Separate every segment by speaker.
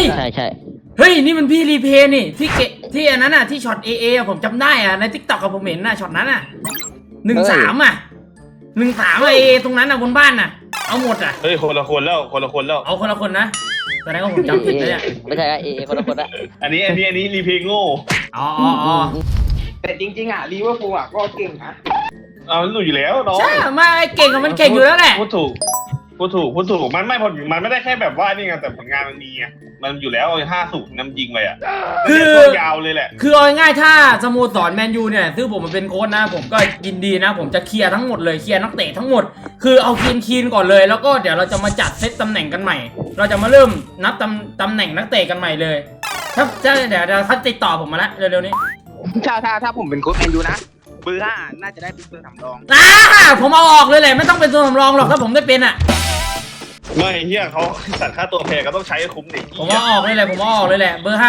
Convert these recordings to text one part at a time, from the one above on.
Speaker 1: ใช่
Speaker 2: เฮ้ยนี่มันพี่รีเพย์นี่ที่อันนั้นอ่ะที่ช็อตเอผมจำได้อ่ะในทิกตอกกับผมเห็นน่ะช็อตนั้นอ่ะ13อ่ะ13เอตรงนั้นอ่ะบนบ้านน่ะเอาหมดอ่ะ
Speaker 3: เฮ้ยคนละคนแล้ว
Speaker 2: เอาคนละคนนะแสดงว่าผมจำผิดเลยเนี่ย
Speaker 1: ไม่ใช่คนละคนอะ
Speaker 3: อันนี้รีเพย์โง่
Speaker 2: อ๋อ
Speaker 4: แต่จริงๆอ่ะลิเวอร์พูลอ่ะก็เก่งนะ
Speaker 3: เอาหนูอยู่แล้วน้อง
Speaker 2: ใช่มาเก่งกับมันเก่งอยู่แล้วแหละ
Speaker 3: พูดถูกมันไม่ได้แค่แบบว่านี่ไงแต่ผลงานมันมีไงมันอยู่แล้ว5-0นำยิงไปอ่ะคือยาวเลยแหละ
Speaker 2: คือเอาง่ายๆถ้าสโมสรแมนยูเนี่ยซึ่งผมมาเป็นโค้ชนะผมก็ยินดีนะผมจะเคลียร์ทั้งหมดเลยเคลียร์นักเตะทั้งหมดคือเอาคีนก่อนเลยแล้วก็เดี๋ยวเราจะมาจัดเซตตำแหน่งกันใหม่เราจะมาเริ่มนับตำแหน่งนักเตะกันใหม่เลยถ้าเดี๋ยวเขาติดต่อผมมาแล้วเร็วๆนี้
Speaker 4: ถ้าผมเป็นโค้ชแมนยูนะเบอร์5น่าจะได้เป็นตัวสำรอง
Speaker 2: ผมเอาออกเลยแหละไม่ต้องเป็นตัวสำรองหรอกถ้าผมได้เป็นอ่ะ
Speaker 3: ไม่เฮียเขาตัดค่าตัวแพงก็ต้องใช้คุ้มดิ
Speaker 2: ผมเอาออกเลยแหละเบอร์5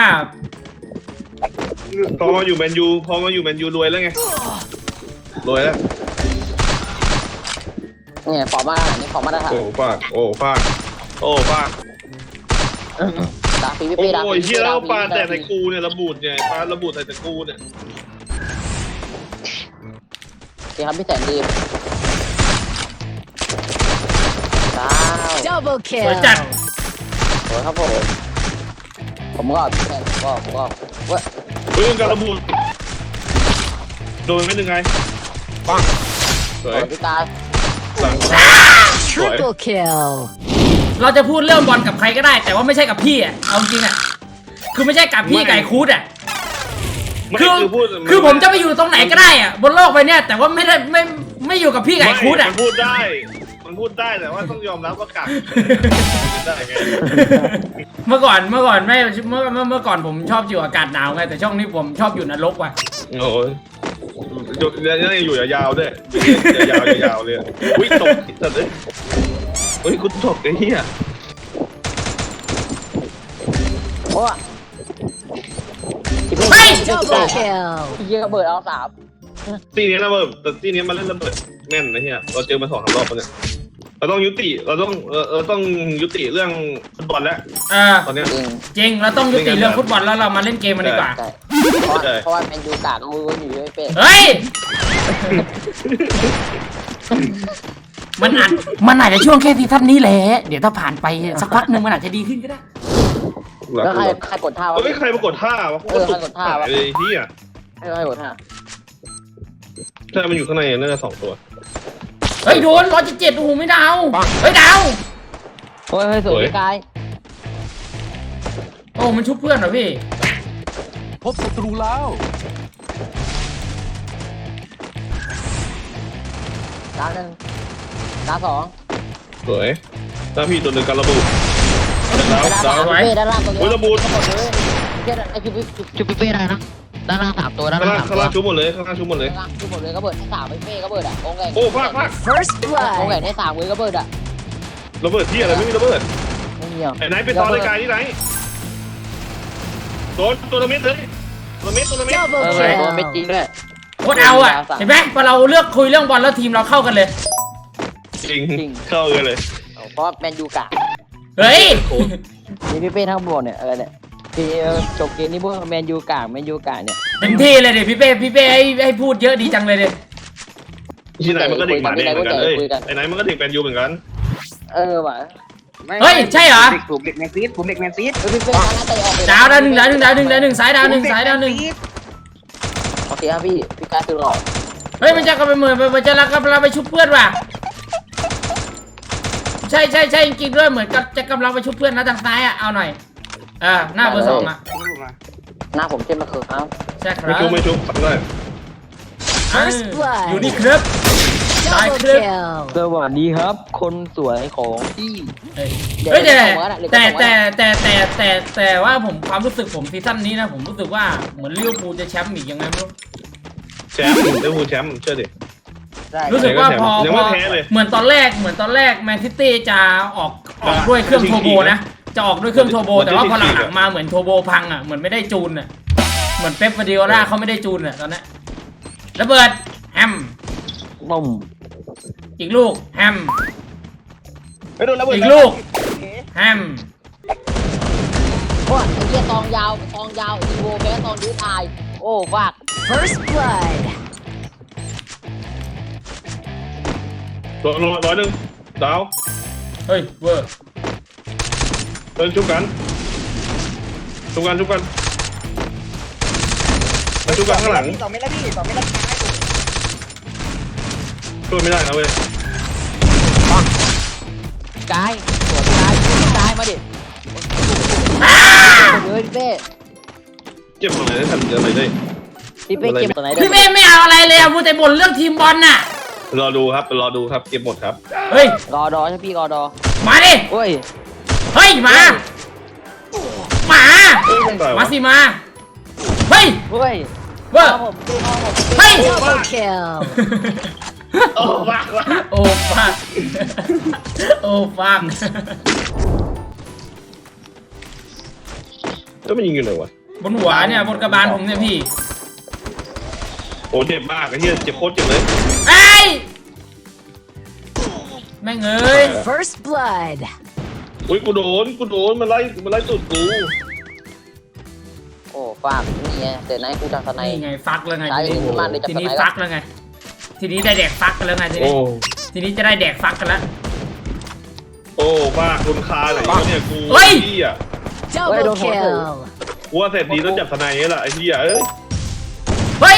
Speaker 3: พอมาอยู่แมนยูรวยแล้วไงรวยแล้ว
Speaker 1: เนี่ยฟอร์มานี่ฟอร์มาตรฐาน
Speaker 3: โอ้ฟาก
Speaker 1: ดาฟีพี่
Speaker 3: โอ้ยเฮียแล้วปลาแต่ใส่กูเนี่ยระบุดเนี่ยปลาระบุดใส่กูเนี่ย
Speaker 1: ดีครับพี่แสนดี
Speaker 2: Double kill สวยจัด
Speaker 1: สวยครับผมก็พี่แสนผมก็
Speaker 3: เรื่องการระบุโดนไม่ถึงไงปังสวย
Speaker 1: พี่ตา
Speaker 2: Triple kill เราจะพูดเรื่องบอลกับใครก็ได้แต่ว่าไม่ใช่กับพี่อ่ะเอาจริงอ่ะคือไม่ใช่กับพี่ไก่คูดอ่ะคือผมจะไปอยู่ตรงไหนก็ได้อ่ะบนโลกใบนี้แต่ว่าไม่อยู่กับพี่ไก่คูดอ่ะ
Speaker 3: มันพูดได้แต่ว่าต้องยอมรับว่ากักได้ไง
Speaker 2: เมื่อก่อนไม่เมื่อก่อนผมชอบอยู่อากาศหนาวไงแต่ช่วงนี้ผมชอบอยู่นรกว่ะ
Speaker 3: โอ้ยยังอยู่ยาวด้วยยาวเลยอุ้ยตกจัดเลยอุ้ยกูตกไอ้เหี้ย
Speaker 1: โอ้ย
Speaker 2: ไม่
Speaker 1: เยอะเบิดเอา3
Speaker 3: ตีนี้ระเบิดแต่ตีนี้มันเล่นระเบิดแม่นนะเฮียเราเจอมา2-3 รอบแล้วเนี่ยเราต้องยุติเรื่องฟุตบอลแล้วตอนนี้
Speaker 2: จริงเราต้องยุติเรื่องฟุตบอลแล้วเรามาเล่นเกมมันดีกว่า
Speaker 1: เพราะว่าแมนยูกากมืออยู่ไม่เป็น
Speaker 2: เฮ้ยมันอาจจะช่วงแค่ซีซั่นนี้แหละเดี๋ยวถ้าผ่านไปสักพักนึงมันอาจจะดีขึ้นก็ได้
Speaker 1: แล้วใครกดท่าวะ
Speaker 3: ใครมากดท่าวะ
Speaker 1: ใครกดท่าวะ
Speaker 3: ไอ้เหี้ย
Speaker 1: ใครกดท่า
Speaker 3: ใช่มันอยู่ข้างในน่าจะ2 ตัว
Speaker 2: เฮ้ยโดน177โอ้โหไม่ดาวเฮ้ยดาว
Speaker 1: โอ้ยสวยกาย
Speaker 2: โอ้มันชุบเพื่อนเหรอพี่
Speaker 5: พบศัตรูแล้ว
Speaker 1: ดาว1ดาว2
Speaker 3: สวยถ้าพี่ตัวหนึ่งการระบุดาว
Speaker 1: ไว้ด้านล่างตัวนี้
Speaker 3: ระบุ
Speaker 1: ทั้งหมดเลยไอ้ชุบเป้ได้นะด้านล่าง3 ตัวด้านล่าง
Speaker 3: 3 ตัวชุบหมดเลย
Speaker 1: ชุบหมดเลยก็เบิดให้3เป้ก็เบิดอ่ะองค์ใหญ่
Speaker 3: โอ้ฟาก
Speaker 1: First blood องค์ใหญ่ให้3เลยก็เบิดอ่ะ
Speaker 3: ระเบิดที่อะไรไม่มีระเบิดไอ้ไหนไปตอนรายการที่ไหนโดนตัวละเม็ดเลยตัวเม็ด
Speaker 1: ตัวเม็ดจริงด้วย
Speaker 2: โคตรเอาอ่ะเห็นไหมพอเราเลือกคุยเรื่องบอลแล้วทีมเราเข้ากันเลย
Speaker 3: จริงเข้ากันเลย
Speaker 1: เพราะแมนยูกะ
Speaker 2: เฮ้ย
Speaker 1: นี่พี่เป้ทั้งหมดเนี่ยอะไรเนี่ยพี่จบเกมนี้พวกแมนยูกะเนี่ย
Speaker 2: เต็มที่เลยเดี๋ยวพี่เป้ให้พูดเยอะดีจังเลยเดี๋ยว
Speaker 3: ที่ไหนมันก็ดิ่งมาเนี่ยเหมือนกันเลยไอ้ไหนมันก็ดิ่งแมนยูเหมือนกัน
Speaker 1: ว่ะ
Speaker 2: เฮ้ยใช่เหรอ
Speaker 4: ผมเด็กแมนซีดพี่เป้
Speaker 2: ดาว1ซ้ายดาว1
Speaker 1: โอเคครับพี่กายคือหล่อ
Speaker 2: เฮ้ยมันจะกำลังมันจะกำลังไปชุบเพื่อนว่ะใช่จริงๆด้วยเหมือนกับจะกำลังไปชุบเพื่อนนะทางซ้ายอ่ะเอาหน่อยหน้าเบอร์2อ่ะ
Speaker 1: หน้าผมเช่นมาคือครับ
Speaker 2: ใช่ครับ
Speaker 3: ไม่ชุบด้วย
Speaker 2: อยู่นี่ครับตายครับ
Speaker 1: สวัสดีครับคนสวยของพี่
Speaker 2: เฮ้ยแต่ว่าผมความรู้สึกผมซีซั่นนี้นะผมรู้สึกว่าเหมือนลิเวอร์พูลจะแชมป์อีกยังไงไม่รู้
Speaker 3: แชมป์ลิเวอร์พูลแชมป์เชื่อดิ
Speaker 2: รู้สึกว่าพอเหมือนตอนแรกแมนซิตี้จะออกด้วยเครื่องโทโบนะจะออกด้วยเครื่องโทโบแต่ว่าพอหลังๆมาเหมือนโทโบพังอ่ะเหมือนไม่ได้จูนอ่ะเหมือนเป๊ป กวาร์ดิโอล่าเขาไม่ได้จูนอ่ะตอนนี้ระเบิดแฮม
Speaker 1: บุ้ม
Speaker 2: อีกลูกแฮมอีกลูกแฮม
Speaker 1: โอ้ยไอ้เหี้ยตองยาวอีโวแพ้ตองยืดตายโอ้ฟาก
Speaker 6: First blood.
Speaker 3: ร้อยหนึ่งดาว
Speaker 2: เฮ้ยเวอร์
Speaker 3: เดินชุบกันชุบกันข้างหลัง
Speaker 4: 2 เมตรแล้วพี่2 เมตรแล้ว
Speaker 3: ช่วยไม่ได้นะเว้ย
Speaker 1: กายสวนกายมาดิเฮ้ยพี่เป้
Speaker 3: เจ็บตรงไหนได้ทำอะไรได้
Speaker 1: พี่เป้เก็บตัวไหนได้
Speaker 2: พี่เป้ไม่เอาอะไรเลยอะมูแต่บ่นเรื่องทีมบอลน่ะ
Speaker 3: รอดูครับเก็บหมดครับ
Speaker 2: เฮ้ย
Speaker 1: รอดอใช่พี่รอดอ
Speaker 2: มาดิ
Speaker 1: โอ้ย
Speaker 2: เฮ้ยมามา มาสิมาเฮ้ย
Speaker 1: เฮ้ย
Speaker 2: เวอร์
Speaker 1: ผมดูน้องผม
Speaker 2: เฮ้ย
Speaker 6: Double kill.
Speaker 3: โอ้ฟัก
Speaker 2: โอ้ฟักโอ้ฟัก
Speaker 3: แล้วมันยิงอยู่ไหนวะ
Speaker 2: บนหัวเนี่ยบนกระบาลผมเนี่ยพี่
Speaker 3: โอ้เจ็บมากไอ้เหี้ยเจ็บโคตรเจ็บเลย
Speaker 2: ไอ้ยแม่งเอ้ย
Speaker 6: First blood.
Speaker 3: อุ้ยกูโดนมันไล่ตุดกู
Speaker 1: โอ้ฟากนี่ไงเดี๋ยวนะกูจับทนาย
Speaker 2: นี่ไงฟักแล้วไง
Speaker 1: ใช่
Speaker 2: ทีนี้
Speaker 1: ขึ้นมาเลยจับ
Speaker 2: ที
Speaker 1: ท
Speaker 2: นี้
Speaker 1: นาย
Speaker 2: ฟักแล้วไง ทีนี้ได้แดกฟักกันแล้วไงที
Speaker 3: โอ้
Speaker 2: นี้ ทีนี้จะได้แดกฟักกันแล้ว
Speaker 3: โอ้บ้าคุณคาไหนวะเนี่ยกู
Speaker 2: เฮ้ย
Speaker 3: เหี้ย
Speaker 6: Double kill.
Speaker 3: กูว่าเสร็จดีต้องจับทนายนี่แหละไอ้เหี้ยเอ้ย
Speaker 2: เฮ้ย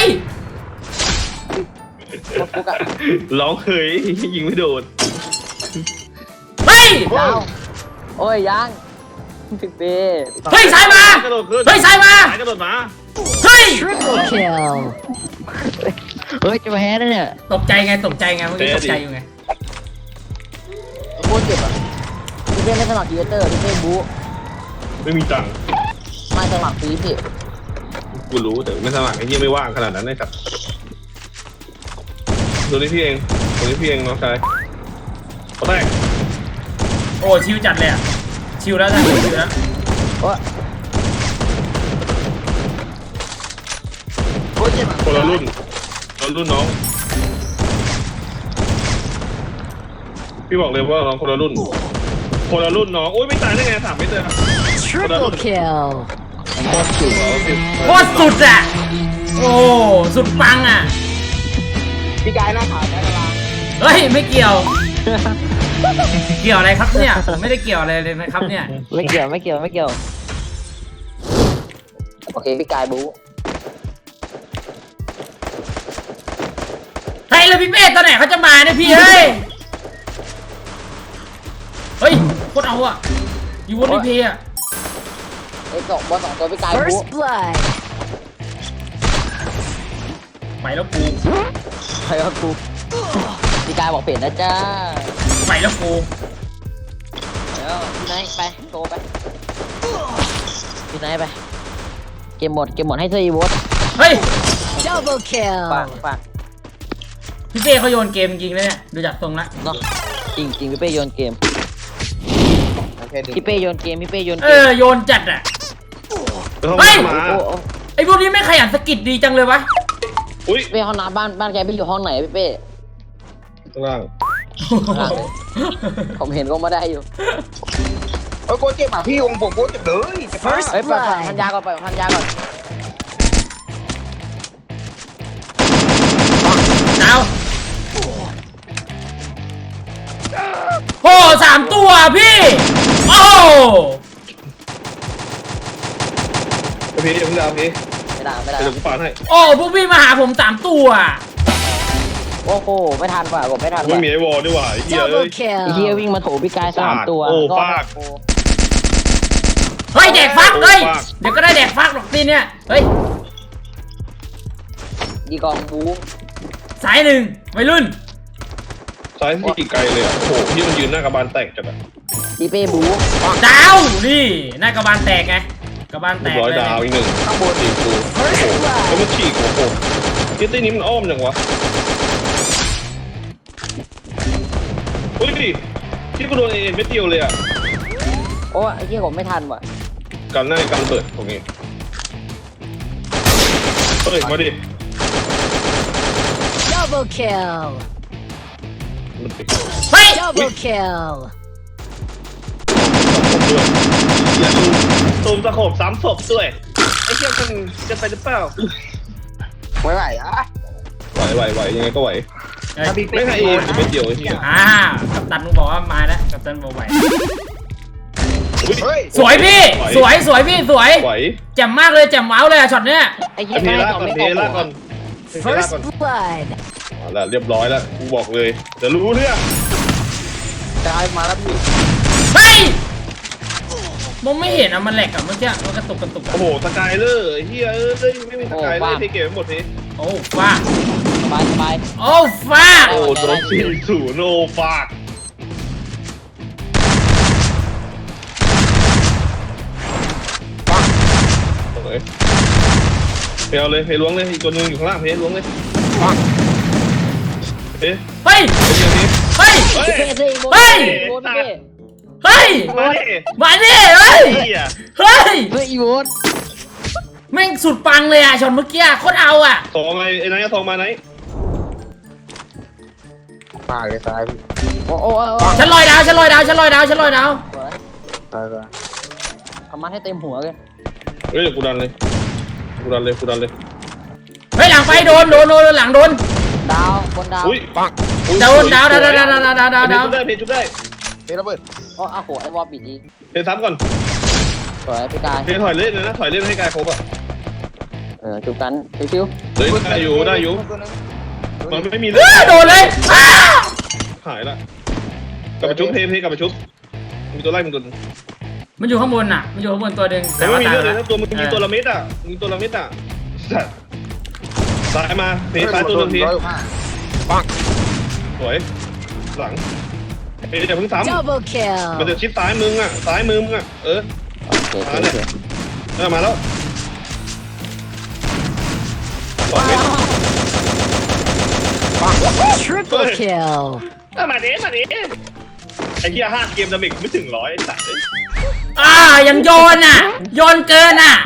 Speaker 1: กูกะ
Speaker 3: ร้องเคยยิงไม่โดน
Speaker 2: เฮ้ย
Speaker 1: ดาวโอ้ยยังพี่เป้
Speaker 2: เฮ้ยสายมา
Speaker 3: กระโดดขึ้น
Speaker 2: เฮ้ยสายมา
Speaker 3: สายกระโดดมา
Speaker 2: เฮ้ย
Speaker 6: Triple kill.
Speaker 1: เฮ้ยจะมาแพ้แล้วเนี่ย
Speaker 2: ตกใจไงเมื่อกี้ตกใจอยู่ไง
Speaker 1: โคตรเจ็บอ่ะพี่เป้ไม่สมัครยูเตอร์พี่เป้บู๊
Speaker 3: ไม่มีตังค์
Speaker 1: ไม่สมัครฟรีพี่
Speaker 3: กูรู้แต่ไม่สมัครไอ้เหี้ยไม่ว่างขนาดนั้นเลยครับตัวนี้พี่เองน้องชายเขาแตก
Speaker 2: โอ้ชิวจัดเลยอะชิวแล้วนะชิวแล้ว
Speaker 1: โอ้ยโคตรเจ็บอ่ะ
Speaker 3: คนละรุ่นน้องพี่บอกเลยว่าน้องคนละรุ่นน้องโอ้ยไม่ตายได้ไง3 เมตรเลยอะ
Speaker 6: Triple kill.
Speaker 3: โคตรจุ๋เอาสิ
Speaker 2: โคตรสุดอะโอ้สุดปังอะ
Speaker 4: พี่กายหน้าขาวแค่กระลา
Speaker 2: เฮ้ยไม่เกี่ยว เกี่ยวอะไรครับเนี่ยผมไม่ได้เกี่ยวอะไรเลยนะครับเนี่ย
Speaker 1: ไม่เกี่ยวโอเคพี่กายบู๊
Speaker 2: เฮ้ยแล้วพี่เป้ตอนไหนเขาจะมาเนี่ยพี่เฮ้ยเฮ้ยโคตรเอาอะอยู่บนพีอะ
Speaker 1: ไอ้บอลสองตัวพี่กายบู๊
Speaker 6: First blood.
Speaker 2: ไปแล้วกู
Speaker 1: ใครว่ากูพี่กายบอกเปลี่ยนนะจ้า
Speaker 2: ไปแล้วกู
Speaker 1: เดี๋ยวพี่ไนท์ไปโตไปพี่ไนท์ไปเกมหมดให้เซอร์อีวอต
Speaker 2: เฮ้ย
Speaker 6: Double
Speaker 1: ฝาก
Speaker 6: kill.
Speaker 2: พี่เป้เขาโยนเกมจริงเลยเนี่ยดูจากทรงละ
Speaker 1: เนาะจริงพี่เป้โยนเกม
Speaker 4: โอเค
Speaker 1: พี่เป้โยนเกม
Speaker 2: โยนจัดอะ
Speaker 3: แล้ว
Speaker 2: เฮ้
Speaker 3: เขา
Speaker 2: ย
Speaker 3: มา
Speaker 1: โอ้
Speaker 2: ไอ้พวกนี้ไม่ขยันสกิดดีจังเลยวะ
Speaker 3: อุ้ย
Speaker 1: พี่เป้ห้องน้ำบ้านแกพี่อยู่ห้องไหนพี่เป้
Speaker 3: ข้างล่าง
Speaker 1: ผมเห็นก็มาได้อยู่
Speaker 4: โอ้ยโคตรเจ็บอ่ะพี่องค์ผมโคตรเจ็บเลยเจ็บมาก
Speaker 6: First
Speaker 1: เฮ้ยปล่อยพันยาก่อน
Speaker 2: ดาวโอ้3 ตัวพี่ โอ้
Speaker 3: พี่อย่าเพิ่งดาวพี่
Speaker 1: ไม่ได้
Speaker 3: เดี๋ยวกูปาดให้
Speaker 2: โอ้พวกพี่มาหาผม3 ตัว
Speaker 1: โอ้โหไม่ทันว่ะผมไม่ทัน
Speaker 3: ไม่
Speaker 1: ว่ะ
Speaker 3: มีไอ้วอลด้วยว่ะไอ้เหี้ยเอ้
Speaker 6: Double
Speaker 3: ย
Speaker 1: ไอ้เฮีย
Speaker 6: kill.
Speaker 1: วิ่งมาโถพี่กาย3 ตัว
Speaker 3: โอ้ฟาด
Speaker 2: เฮ้ยแดกฟักเฮ้ย
Speaker 3: โอ้ฟัก
Speaker 2: เดี๋ยวก็ได้แดกฟักหรอกทีเนี่ยเฮ้ย
Speaker 1: ดีกองบู
Speaker 2: สายหนึ่งวัยรุ่น
Speaker 3: ซ้ายที่ไกลเลยอ่ะโอ้โหพี่มันยืนหน้ากระบาลแตกจัดอ่ะ
Speaker 1: พี่เป้บู
Speaker 2: ดาวนี่หน้ากระบาลแตกไงกระบาลแตก
Speaker 3: ร้อย
Speaker 2: เลย
Speaker 3: ดาวอีกหนึ่งข้างบนอีกกูโอ้โหแล้วมันฉีกโอ้โหคิตตี้นี้มันอ้อมจังวะอุ้ยดิที่กูโดนเอ็นเม็ดเดียวเลยอ่ะ
Speaker 1: โอ้ไอ้เฮียผมไม่ทันว่ะ
Speaker 3: กันหน้ากันเปิดตรงนี้เฮ้ยมาดิ
Speaker 6: Double kill.
Speaker 3: มันติด
Speaker 2: เฮ้ย
Speaker 6: Double kill.
Speaker 3: ผมด้วยอย่าดูตูมตะโขบ3 ศพด้วยไอ้เหี้ยมันจะไปหรือเปล่า
Speaker 4: ไหวอะ
Speaker 3: ไหวยังไงก็ไหว
Speaker 4: ถ้าบิ๊ก
Speaker 3: ไม่
Speaker 4: เป็น
Speaker 3: ให้
Speaker 4: โก
Speaker 3: เอง
Speaker 4: นะ
Speaker 3: ไม่เดียวไอ้เหี้ย
Speaker 2: กัปตันมึงบอกว่ามาแล้วกัปตันบอกไหว
Speaker 4: เฮ้ย
Speaker 2: สวยพี่สวยพี่สวย
Speaker 3: ไหว
Speaker 2: แจ่มมากเลยแจ่มว้าวเลยอะช็อตเนี้ย
Speaker 1: ไอ้เหี้ย
Speaker 3: เท
Speaker 1: ไม่
Speaker 3: ล่า
Speaker 1: ต่อ
Speaker 3: ก่อน
Speaker 1: ไม่
Speaker 3: เท
Speaker 1: ตก
Speaker 3: ล่าก่อนเทล่า
Speaker 6: First
Speaker 3: ก่อน
Speaker 6: blood.
Speaker 3: เอาละเรียบร้อยแล้วกูบอกเลยเดี๋ยวรู้เรื่อง
Speaker 4: กายมาแล้วพี่
Speaker 2: เฮ้ยมองไม่เห็นอะมันแหลกอะเมื่อกี้มันกระตุกอะ
Speaker 3: โอ้โหสกายเลอร์เฮียไม่มีสกายเลอร์ที่เก็บไว้หมดนี้
Speaker 2: โอ้ฟ้า
Speaker 1: สบายสบาย
Speaker 2: โอ้ฟ้า
Speaker 3: โอ้โดน4-0โนฟากเพลเลยเพลล้วงเลยอีกตัวนึงอยู่ข้างล่างเพลล้วงเลยเพล
Speaker 2: เฮ้ย
Speaker 3: อย่างนี้
Speaker 2: เฮ้ย
Speaker 3: เฮ้ย
Speaker 1: เพ่เพ่โบ
Speaker 2: เฮ้ย
Speaker 1: โบนเพ่
Speaker 2: เฮ้ย
Speaker 3: มาดิ
Speaker 2: มาดิเฮ้ย
Speaker 3: เฮีย
Speaker 2: เฮ้ย
Speaker 1: เฮ้ยอีโบน
Speaker 2: แม่งสุดปังเลยอะช็อตเมื่อกี้โคตรเอาอะ
Speaker 3: สองไอ้ไหนทองมาไหน
Speaker 4: มาเลยซ้ายพี่
Speaker 1: โอ้โอ้
Speaker 2: ฉันลอยดาว
Speaker 4: ซ้าย
Speaker 1: ทำมาให้เต็มหัวเลย
Speaker 3: เฮ้ยกูดันเลย
Speaker 2: เฮ้ยหลังไปโดนหลังโดน
Speaker 1: ดาวบนดาว
Speaker 3: อุ้ยปัง
Speaker 2: ดาวดาว
Speaker 3: เพลจุดได้
Speaker 4: เฮ้ยระเบิด
Speaker 1: โอ้อ้าวโหไอ้วอลปิดดี
Speaker 3: เพลซ้ำก่อน
Speaker 1: สวยพี่กาย
Speaker 3: เพลถอยเล่นเลยนะถอยเล่นให้กายครบอ่ะ
Speaker 1: จุกกันชิว
Speaker 3: เฮ้ยได้อยู่มันไม่มีเล
Speaker 2: เฮ้
Speaker 3: ย
Speaker 2: ยโดนเลยอ้า
Speaker 3: หายละกลับไปชุบเพกลับไปชุบมีตัวไล่มึงตัวนึง
Speaker 2: มันอยู่ข้างบนน่ะมันอยู่ข้างบนตัวหนึ่ง
Speaker 3: แต่
Speaker 2: แต่
Speaker 3: ไม่
Speaker 2: ว่า
Speaker 3: มี
Speaker 2: ตาย
Speaker 3: เรื่องเลย
Speaker 2: แล้ว
Speaker 3: ถ้าตัวมึงมีตัวละเม็ดอ่ะมีตัวละเม็ดอ่ะซ้ายมาเพซ้ายตัวนึงทีสวยหลังเพอย่าเพิ่งซ้ำ
Speaker 6: Double
Speaker 3: มัน
Speaker 6: kill.
Speaker 3: จะชิดซ้ายมึงอ่ะซ้ายมือมึงอ่ะ
Speaker 1: ๆโอเค
Speaker 3: มาแล้วสองเม็ด
Speaker 6: Triple kill.
Speaker 3: มาดิไอ้เหี้ย5 เกมดาเมจไม่ถึง100ไอ้สัตว์
Speaker 2: ยังโยนอ่ะโยนเกินอ่ะ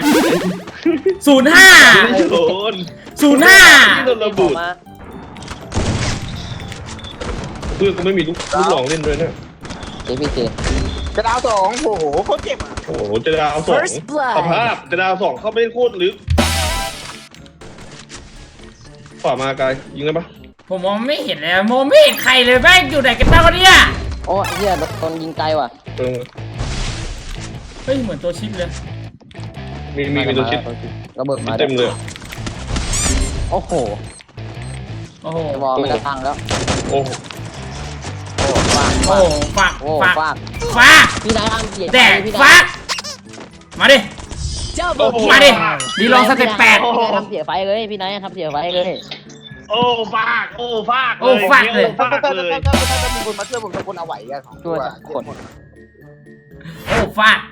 Speaker 2: 05
Speaker 3: โดน
Speaker 2: 05
Speaker 3: โดนระเบิดเพื่อนกูไม่มีลูกหลองเล่นด้วยนะ
Speaker 1: เจพี่เจ
Speaker 4: กระดาว2โอ้โหโคตรเจ็บอ่ะ
Speaker 3: โอ้โหจะดาว2
Speaker 6: First blood.
Speaker 3: สภาพจะดาว2เข้าไปโคตรลึกขวามากายยิงได้ปะ
Speaker 2: ผมมองไม่เห็นเลยมองไม่เห็นใครเลยแม่งอยู่ไหนกันบ้างวะเนี่ย
Speaker 1: โอ้เฮียโดนยิงไกลว่ะ
Speaker 2: เฮ้ยเหมือนตัวชิปเลย
Speaker 3: มีตัวชิด
Speaker 1: ระเบิดมา
Speaker 3: เต็มเลย
Speaker 1: โอ้โห
Speaker 2: โอ้โห
Speaker 1: ไอ้วอลไม่กระทังแล้ว
Speaker 3: โอ้โห
Speaker 1: โอ้ฟาก
Speaker 2: โอ้ฝาก
Speaker 1: โอ้
Speaker 2: ฝาก
Speaker 1: ฟาก
Speaker 2: ฝาก
Speaker 1: พี่นายทำเสีย
Speaker 2: แดก
Speaker 1: พี่
Speaker 2: ฝากมาดิ
Speaker 6: Double
Speaker 2: มาดิ
Speaker 6: kill.
Speaker 2: ดีลองสเต็ป8
Speaker 1: พี่นายทำเสียไฟเลยพี่นายทำเสียไฟเลย
Speaker 3: โอ้ฟากเลย
Speaker 4: ถ้ามีคนมาช่วยผมจะคนเอาไหวอ่ะ2 ตัว
Speaker 1: ช่วยคน
Speaker 2: โอ้ฝาก